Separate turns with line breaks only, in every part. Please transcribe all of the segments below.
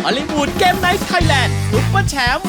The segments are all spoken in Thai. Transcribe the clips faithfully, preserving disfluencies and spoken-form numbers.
ฮอลลีวูดเกมไนท์ไทยแลนด์ซุปเปอร์แชมป์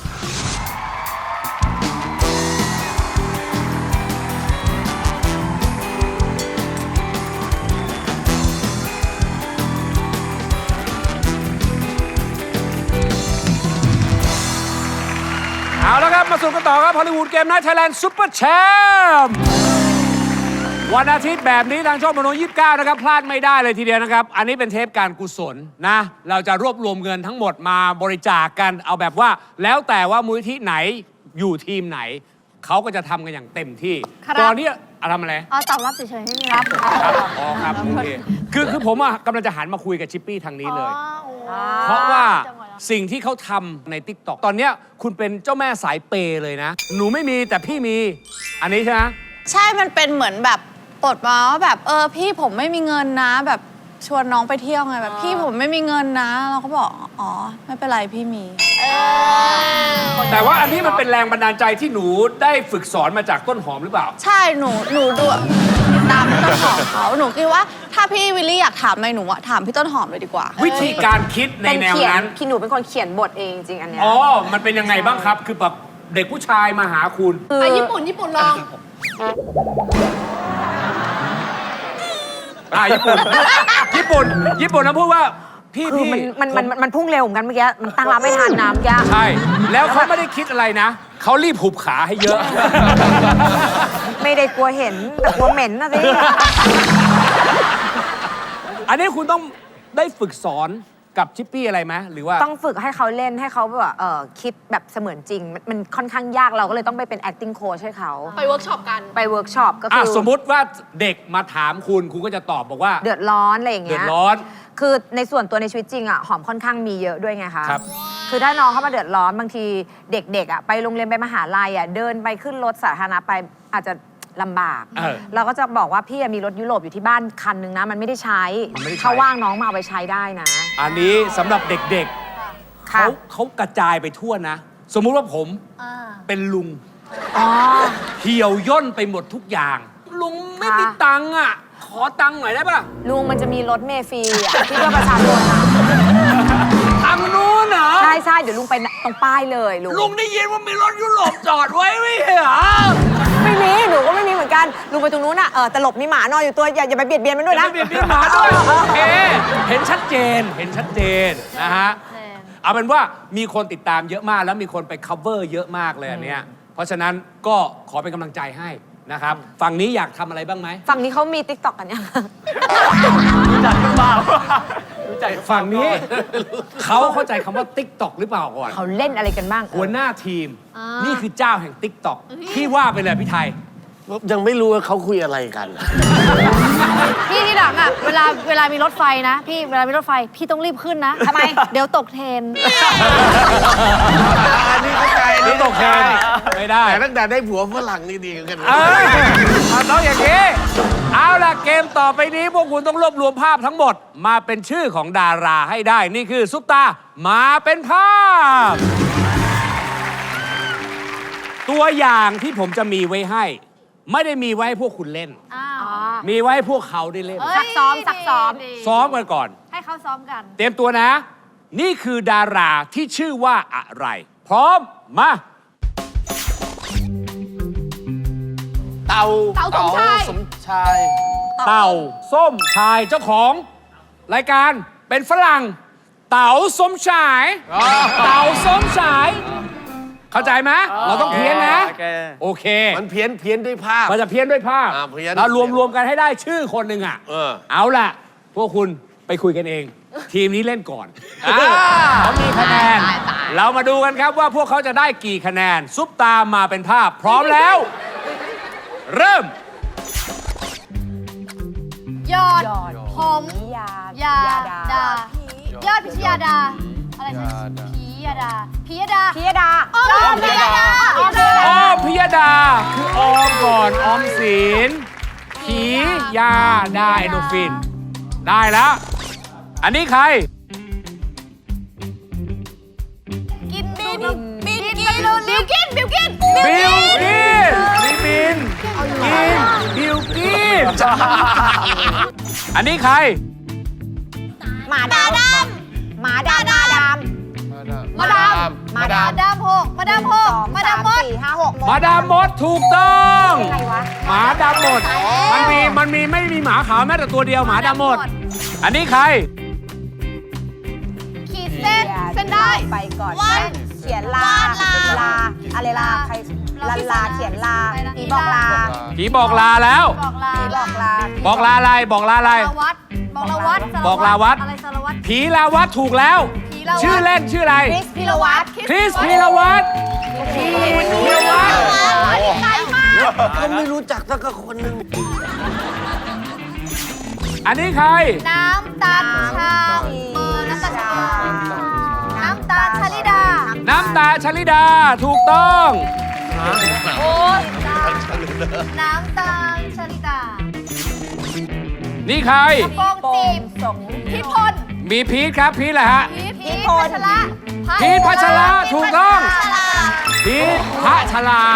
เอาละครับมาสู่กันต่อครับฮอลลีวูดเกมไนท์ไทยแลนด์ซุปเปอร์แชมป์วันอาทิตย์แบบนี้ทางช่องมโนยี่สิบเก้านะครับพลาดไม่ได้เลยทีเดียวนะครับอันนี้เป็นเทปการกุศลนะเราจะรวบรวมเงินทั้งหมดมาบริจาคกันเอาแบบว่าแล้วแต่ว่ามูลนิธิไหนอยู่ทีมไหนเขาก็จะทำกันอย่างเต็มที่ตอนนี้ทำอะไร
อ๋อตอบรับเฉยๆไม่มีครับ
อ๋อครับโอเคคือคือผมอ่ะกำลังจะหันมาคุยกับชิปปี้ทางนี้เลยเพราะว่าสิ่งที่เขาทำใน ติ๊กต็อก ตอนเนี้ยคุณเป็นเจ้าแม่สายเปย์เลยนะหนูไม่มีแต่พี่มีอันนี้ใช่ไหม
ใช่มันเป็นเหมือนแบบปลดมาว่าแบบเออพี่ผมไม่มีเงินนะแบบชวนน้องไปเที่ยวไงแบบพี่ผมไม่มีเงินนะเราก็บอกอ๋อไม่เป็นไรพี่มี
แต่ว่าอันนี้มันเป็นแรงบันดาลใจที่หนูได้ฝึกสอนมาจากต้นหอมหรือเปล่า
ใช่หนูหนูดูตามต้นหอมเขาหนูคิดว่าถ้าพี่วิลลี่อยากถามอะไรหนูอะถามพี่ต้นหอมเลยดีกว่า
วิธีการคิดในแนวนั้น
พี่หนูเป็นคนเขียนบทเองจริงอันเนี้ย
อ๋อมันเป็นยังไงบ้างครับคือแบบเด็กผู้ชายมาหาคุณ
ไอ้ญี่ปุ่นญี่ปุ่นลอง
อ่าญี่ปุ่นญี่ปุ่นญี่ปุ่นนะพูดว่าพี่
คือ
พี่
มันมันมันมันพุ่งเร็วเหมือนกันเมื่อกี้มันตั้งรับไม่ทันน้ำแก
ใช่แล้วเขาไม่ได้คิดอะไรนะเขารีบหุบขาให้เยอะ
ไม่ได้กลัวเห็นแต่กลัวเหม็นนะสิ
อันนี้คุณต้องได้ฝึกสอนกับชิปปี้อะไรไหมหรือว่า
ต้องฝึกให้เขาเล่นให้เขาแบบเออคิดแบบเสมือนจริงมันค่อนข้างยากเราก็เลยต้องไปเป็น acting coach ให้เขา
ไปเวิร์กช็อปกัน
ไปเวิร์กช็อปก็คือ
สมมุติว่าเด็กมาถามคุณคุณก็จะตอบบอกว่า
เดือดร้อนอะไรอย่างเงี้
ยเดือดร้อน
คือในส่วนตัวในชีวิตจริงอ่ะหอมค่อนข้างมีเยอะด้วยไงคะ
ครับ
คือถ้าน้องเข้ามาเดือดร้อนบางทีเด็กๆอ่ะไปโรงเรียนไปมหาลัยอ่ะเดินไปขึ้นรถสาธารณะไปอาจจะลำบากเราก็จะบอกว่าพี่มีรถยุโรปอยู่ที่บ้านคันนึงนะมันไม่ได้ใช้เขาว่างน้องมาเอาไปใช้ได้นะ
อันนี้สำหรับเด็กๆเขาเขากระจายไปทั่วนะสมมุติว่าผมเป็นลุงเหี่ยวย่นไปหมดทุกอย่างลุงไม่มีตังค์อ่ะขอตังค์หน่อยได้ปะ
ลุงมันจะมีรถเมล์ฟรีอ่ะที่เพื่อประชาชนนะ
ทางนู้นเหรอ
ใช่ใช่เดี๋ยวลุงไปตรงป้ายเลยลุง
ลุงได้ยินว่ามีรถยุโรปจอดไว้ไม่เหรอ
ไม่มีหนูก็ไม่มีเหมือนกันลุงไปตรงนู้นอ่ะเออตลบมีหมานอนอยู่ตัวอย่าอย่าไปเบียดเบียนมันด้วยนะ
เบียดเบียนหมาด้วยโอเคเห็นชัดเจนเห็นชัดเจนนะฮะเอาเป็นว่ามีคนติดตามเยอะมากแล้วมีคนไป cover เยอะมากเลยอันเนี้ยเพราะฉะนั้นก็ขอเป็นกำลังใจให้นะครับฝั่งนี้อยากทำอะไรบ้างไหม
ฝั่งนี้เขามี ติ๊กต็อก กันยัง
รู้จักหรือเปล่ารู้จักฝั่งนี้เขาเข้าใจคำว่า ติ๊กต็อก หรือเปล่าก่อน
เขาเล่นอะไรกันบ้าง
หัวหน้าทีมนี่คือเจ้าแห่ง ติ๊กต็อก พี่ว่าไปเลยพี่ไทย
ยังไม่รู้ว่าเขาคุยอะไรกัน
พี่ที่หลังอ่ะเวลาเวลามีรถไฟนะพี่เวลามีรถไฟพี่ต้องรีบขึ้นนะ
ทำไม
เดี๋ยวตกเทรน
อันนี้เข้าใจ
นี่ตกเทรนไม่ได้
แต่ตั้งแต่ได้ผัวฝรั่งนี่ดีกัน
เออต้องอย่างนี้เอาล่ะเกมต่อไปนี้พวกคุณต้องรวบรวมภาพทั้งหมดมาเป็นชื่อของดาราให้ได้นี่คือซุปตามาเป็นภาพตัวอย่างที่ผมจะมีไว้ให้ไม่ได้มีไว้ให้พวกคุณเล่นมีไว้ให้พวกเขาได้เล่น
ซักซ้อมซักซ้อม
ซ้อมกันก่อน
ให้เขาซ้อมกัน
เตรียมตัวนะนี่คือดาราที่ชื่อว่าอะไรพร้อมมา
เต่า
เต่าสมชาย
สมชาย
เต่าส้มชายเจ้าของรายการเป็นฝรั่งเต่าสมชายเต่าสมชายเข้าใจไหมเราต้องเพี้ยนนะโอเค
มันเพี้ยนเพี้ยนด้วยภาพ
มันจะเพี้ยนด้วยภาพเรารวมรวมกันให้ได้ชื่อคนหนึ่งอ่ะเอาล่ะพวกคุณไปคุยกันเองทีมนี้เล่นก่อนเขามีคะแนนเรามาดูกันครับว่าพวกเขาจะได้กี่คะแนนซุปตามมาเป็นภาพพร้อมแล้วเริ่ม
ยอดผมยายาดายอดพิชยาดาอะไรนะพิยดาพิยดา
พิยดา
อ้อมพิยดา
อ้อมพิยดาคือออมก่อนออมสินพิยาดาเอนโดฟินได้แล้วอันนี้ใคร
กินบินบินกินบิวกินบิวกิน
บิวกินบิบินกินบิวกินอันนี้ใคร
หมาดำหมาดำหมาด
าม
มาดามหกมาดามหกมาดามมด
สี่ห้าหก
มาดามมดถูกต้อง
ใครวะ
หมาดำหมด มันมี มันมีไม่มีหมาขาวแม้แต่ตัวเดียวหมาดำหมด อันนี้ใคร
ขีดเส้นเส้นได้
ไปก่อน
วาด
เขียนลาว
าดลา
ลาอะไรลาใคร
ลา
ลาลาเขียนลา
อะไรนะ
ผีบอกลา
ผีบอกลาแล้ว
บอกลา
ผีบอกลา
บอกลาอะไร บอกลาอะไร
สารวัตรบอกลาวัด
บอกลาวัด
อะไรสารวัตร
ผีลาวัดถูกแล้ว
ผีลาวัด
ชื่อเล่นชื่ออะไร
คริสพีรวัตร
คริสพีรวัตรพีรวัตร
ไกลมาก
ก็ไม่รู้จักสักคนหนึ่ง
อันนี้ใคร
น้ำตาลชาเบอร์น้ำตาลชาน้ำตาลชาลิดา
น้ำตาชลิดา ถูกต้อง
โอ้ยน้ำตาลชาลิดา
นี่ใคร
โป้งจีบ
สง
พิพล
มีพีทครับ พีทแหละฮะ
พีทพัชระ
พีทพัชระถูกต้อง พีทพัชลา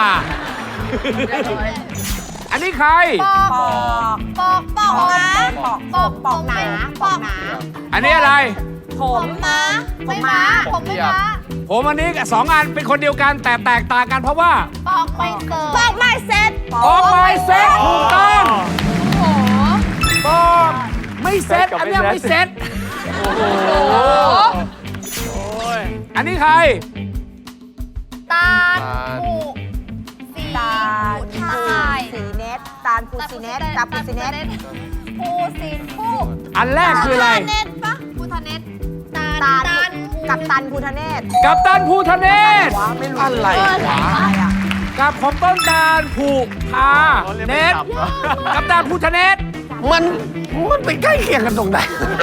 อันนี้ใคร
ปอก
ปอก
ปอกปอกนะ
ปอกปอกปอกหนาปอกหนา
อันนี้อะไร
ผ
ผม มม้าไม่ม้าผมไม่ม้า
ผมอันนี้สองอันเป็นคนเดียวกันแต่แตกต่างกันเพราะว่า
ปอกไม่เกิดปอกไม่เสร็จ
ออกไม้เซ็ตถูกต้อง
โอ้โห
บอกไม่เซ็ตอันเนี้ยไม่เซ็ตโอ้โหอันนี้ใคร
ตาลผูสี
ตาล
ผู
ภู
ทาย
สีเน็ตตาลภูสีเน็ตตาภูสีเน็ต
ผูสีผู
อันแรกคืออะไร
เน็ตปะผูทาเน็ตตาล
ตาล
ตาล
กับตันภูทะเนศ
กับตันภูทะเนศ
อะไรวะ
อะไรอ่ะ
กับของต้นตาลผูทาเนศกับตันภูทะเนศ
มันมันไปใกล้เคียงกันตรงไหน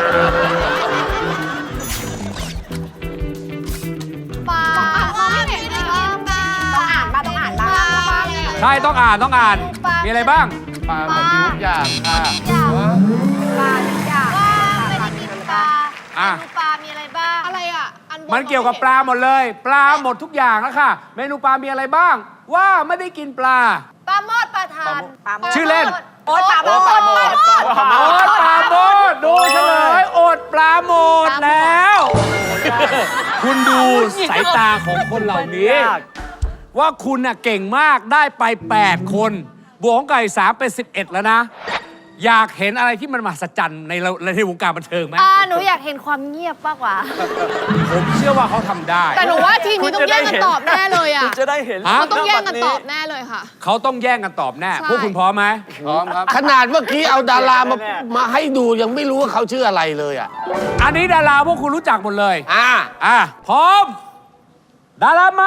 ปลามองไม่เห็นเลยปลา
ต้องอ่านบ้างต้องอ่านบ้าง
ปลา
ใช่ต้องอ่านต้องอ่าน มีอะไรบ้าง
ปลาแบบทุกอย่างค่ะ
อย่าง
ปลาทุกอย่าง
ว่าไม่ได้กินปลา
อ่ะ
เมนูปลา มีอะไรบ้าง อะไรอ่ะ อันบ
มันเกี่ยวกับปลาหมดเลย ปลาหมดทุกอย่างแล้วค่ะ เมนูปลา มีอะไรบ้าง ว่าไม่ได้กินปลา
ปลาหมอดปลาทาน
ปลาหมด
ชื่อเล่น
โอ๊ตปลาหมด
ปลาหมด
โอดปลาโมดดูเฉลยโอดปลาโมดแล้ว คุณดูสายตาของคนเหล่านี้ ว่าคุณน่ะเก่งมากได้ไป แปด คนบวกของไก่สามเป็นสิบเอ็ดแล้วนะ อยากเห็นอะไรที่มันมหัศจรรย์ในเราในวงการบันเทิงไหม
อ่าหนูอยากเห็นความเงียบมากกว่า
ผมเชื่อว่าเขาทำได้
แต่หนูว่าทีมนี้ต้องแย่งกันตอบแน่เลยอ่ะ
จะได้เห็น
ฮะ
เขาต้องแย่งกันตอบแน่เลยค่ะ
เขาต้องแย่งกันตอบแน่
ใช่
พวกคุณพร้อมไหม
พร้อมครับ ขนาดเมื่อกี้เอาดารามามาให้ดูยังไม่รู้ว่าเขาชื่ออะไรเลยอ่ะ
อันนี้ดาราพวกคุณรู้จักหมดเลย
อ่า
อ่ะ พร้อม ดารามา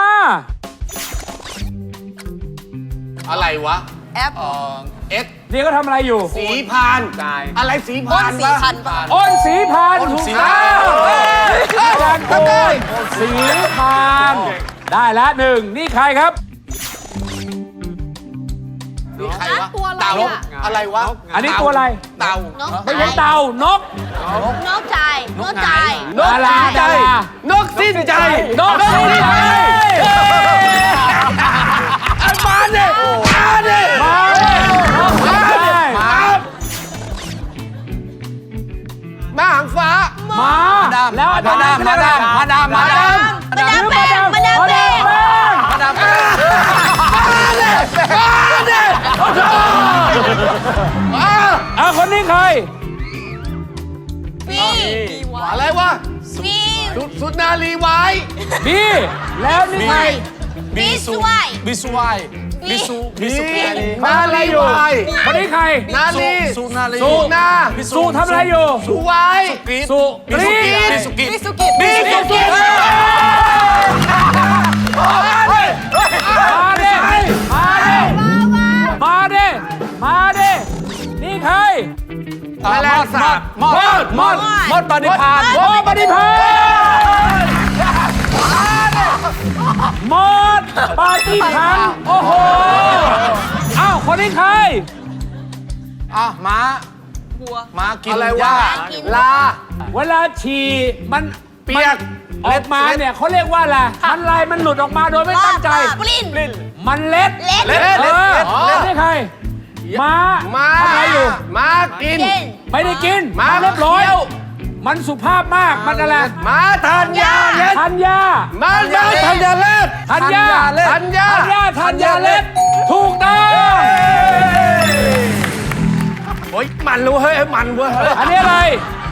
อะไรวะ
แอป
เอ็ก
นี่ก็ทำอะไรอยู่
สีพาน อะไรสีพานวะ
อ้นสีพาน
อ้น
ถูก
สี
ต้
พา
อน งการโกนสีพานได้แล้วหนึ่งนี่ใครครับ
นี่ใครวะ
ตัวอะไร
เต่า
อะ
อะไรวะ
อันนี้ตัวอะไร
เต่า
ไม่ใช่เต่านก
นกใจนกใจ
ดาราดาราน
กสิ้นใจ
นกสีใจ
อันมาเนี่ยมาเนี่ย
มาเลยนกสีใจ
มามาหางฟ้า
มาแล้วอาจารย์มาดามมาดามมาดาม
มาดามแป้งมาดามแป้ง
มาดามแป้ง
มาเนี่ยมาเนี่ยโอ้โหมา
อ่ะคนนี้ใคร
ฟี
อะไรวะ
ฟี
สุสุนารีไว้
บีแล้วนี่ใคร
บีสวย
บิสวายบิสุบิสุ
นารีไว้
คนนี้ใคร
นารี
สุนารี
สุนา
สุทำอะไรอยู่
สุไว้
สุกรี
บิสุกิ
บีสุกิ
บีสุกิมาดิมาดิมาดิมาดินี่ใคร
แมลงสาบ
มอดมอดมอดปฏิพานมอดปฏิพานมอดปฏิพานโอ้โหอ้าวคนนี้ใคร
อ่ะม้าม้ากิน
อะไร
ห
วะ
ญ้า
ลา
เวลาฉี่มัน
เปียก
ออกมาเนี่ยเขาเรียกว่าอะไรมันลายมันหลุดออกมาโดยไม่ตั้งใจ
ปลิ้น
มันเล็ด
เล็ด
เล็ด
เอ
เล็ด
อ
เล็ด
เล็ดนี่ใครม้า
มา
ทำอะไรอยู่
มากิน
ไม่ได้กิน
ม้า
เรียบร้อย
เคี้ยว
มันสุภาพมากมันอะไร
มาทานยาเล็ด
ทันยา
มามาทานยาเล็ด
ธัญญา
ธัญญา
ธัญญาธัญญาเล็ดถูกต้อง
โอ้ยมันรู้เฮ้ยมันเว้ย
อันนี้อะไร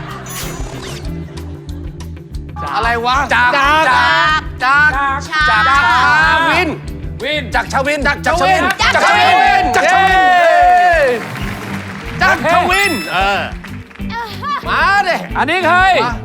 อะไรวะ
จาก
จาก
จาก
จาก
จากชาวิน
วิน
จากชาวิน
จากชวิน
จากชาวินจากชาวินจากชาวินเออมาดิ
อันนี้ใคร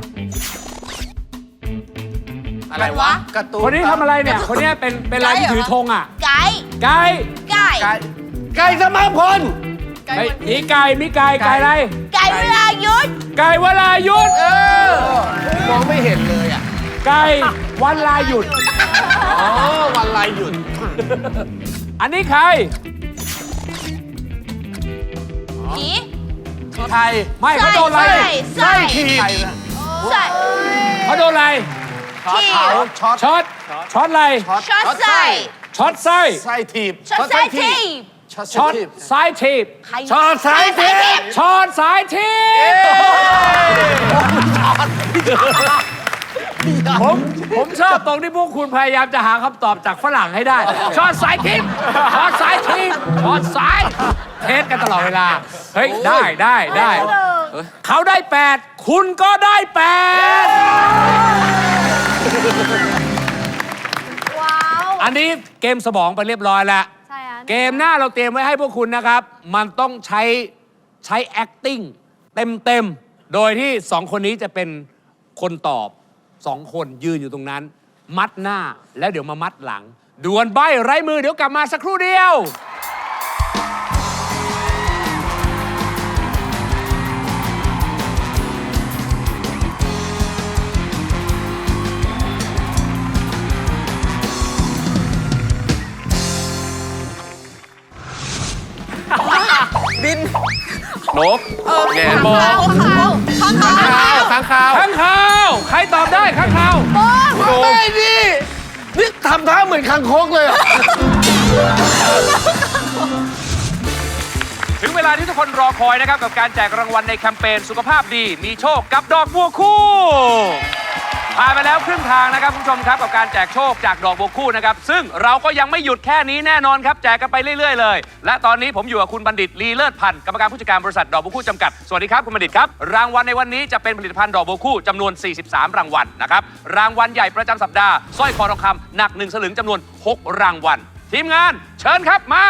อะไรวะการ์ตูน
คนนี้ทำอะไรเนี่ย คนนี้เป็นเป็นลายที่ถือธงอ่ะ
ไก่
ไก่
ไก่
ไก่
ไก่สมาพล
เฮ้ยมีไก่ มีไก่ ไก่อะไร
ไก่เวลายุด
ไก่วลายุด
เออมองไม่เห็นเลยอ่ะ
ไก่วันลาหยุด
อ๋อวันลายหยุด
อันนี้ใคร
ผี
ไทย
ไม่เขาโดนอะไร
ใส่
ทีไทยนะ
ใส่
เขาโดนอะไร
ช็อตเขาช็อต
ช็อต ช็อตอะไร
ช็อตใส่
ช็อตไส้
ไส้ถีบ
ช็อตใส่ที
ช็อต
ช็อต
ถีบ
สายทีบ
ชอดสายทิพย์
ช็อตสายทีบผมผมชอบตรงที่พวกคุณพยายามจะหาคำตอบจากฝรั่งให้ได้ ช็อตสายทีบช็อตสายทีบช็อตสายเทสกันตลอดเวลา เฮ้ย ได้ได้ได้เขาได้แปดคุณก็ได้แปด
ว้าว
อันนี้เกมสมองไปเรียบร้อยแล้ว
ใช่อ่ะ
เกมหน้าเราเตรียมไว้ให้พวกคุณนะครับ มันต้องใช้ใช้ acting เต็มเต็มๆโดยที่สองคนนี้จะเป็นคนตอบสองคนยืนอยู่ตรงนั้น มัดหน้าแล้วเดี๋ยวมามัดหลัง ดวลใบไร้มือเดี๋ยวกลับมาสักครู่เดียว
นกแง่มอง
ข้างเขาข้างเขา
ข้างข่าว
ข้างข่าว ใครตอบได้ข้างข่าว
ไม่ดินี่ทำท่าเหมือนคังคกเลยอะ
ถึงเวลาที่ทุกคนรอคอยนะครับกับการแจกรางวัลในแคมเปญสุขภาพดีมีโชคกับดอกบัวคู่ผ่านไปแล้วครึ่งทางนะครับคุณผู้ชมครับกับการแจกโชคจากดอกบัวคู่นะครับซึ่งเราก็ยังไม่หยุดแค่นี้แน่นอนครับแจกกันไปเรื่อยๆเลยและตอนนี้ผมอยู่กับคุณบัณฑิตลีเลิศพันธ์กรรมการผู้จัดการบริษัทดอกบัวคู่จำกัดสวัสดีครับคุณบัณฑิตครับรางวัลในวันนี้จะเป็นผลิตภัณฑ์ดอกบัวคู่จำนวนสี่สิบสามรางวัลนะครับรางวัลใหญ่ประจำสัปดาห์สร้อยคอทองคำหนักหนึ่งสลึงจำนวนหกรางวัลทีมงานเชิญครับมา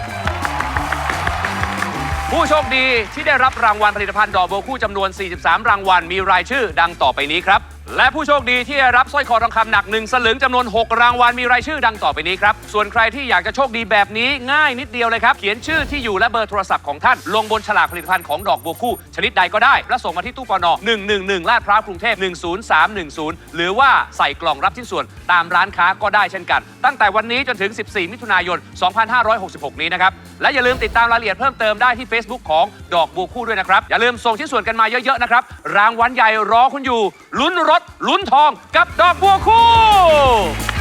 ผู้โชคดีที่ได้รับรางวัลผลิตภัณฑ์ดอกบัวคู่จำนวนสี่สิบสามรางวัลมีรายชื่อดังต่อไปนี้ครับและผู้โชคดีที่ได้รับสร้อยคอทองคำหนักหนึ่งสลึงจำนวนหกรางวัลมีรายชื่อดังต่อไปนี้ครับส่วนใครที่อยากจะโชคดีแบบนี้ง่ายนิดเดียวเลยครับเขียนชื่อที่อยู่และเบอร์โทรศัพท์ของท่านลงบนฉลากผลิตภัณฑ์ของดอกบัวคู่ชนิดใดก็ได้และส่งมาที่ตู้ปนหนึ่งหนึ่งหนึ่งลาดพร้าวกรุงเทพหนึ่งศูนย์สามหนึ่งศูนย์หรือว่าใส่กล่องรับชิ้นส่วนตามร้านค้าก็ได้เช่นกันตั้งแต่วันนี้จนถึงสิบสี่มิถุนายนสองพันห้าร้อยหกสิบหกนี้นะครับและอย่าลืมติดตามรายละเอียดเพิ่มเติมได้ที่ Facebook ของดอกบัวคู่ด้วยนะครับอย่าลืมส่งชิ้นส่วนกันมาเยอะๆนะครับรางวัลใหญ่รอคุณอยู่ลุ้นรถลุ้นทองกับดอกบัวคู่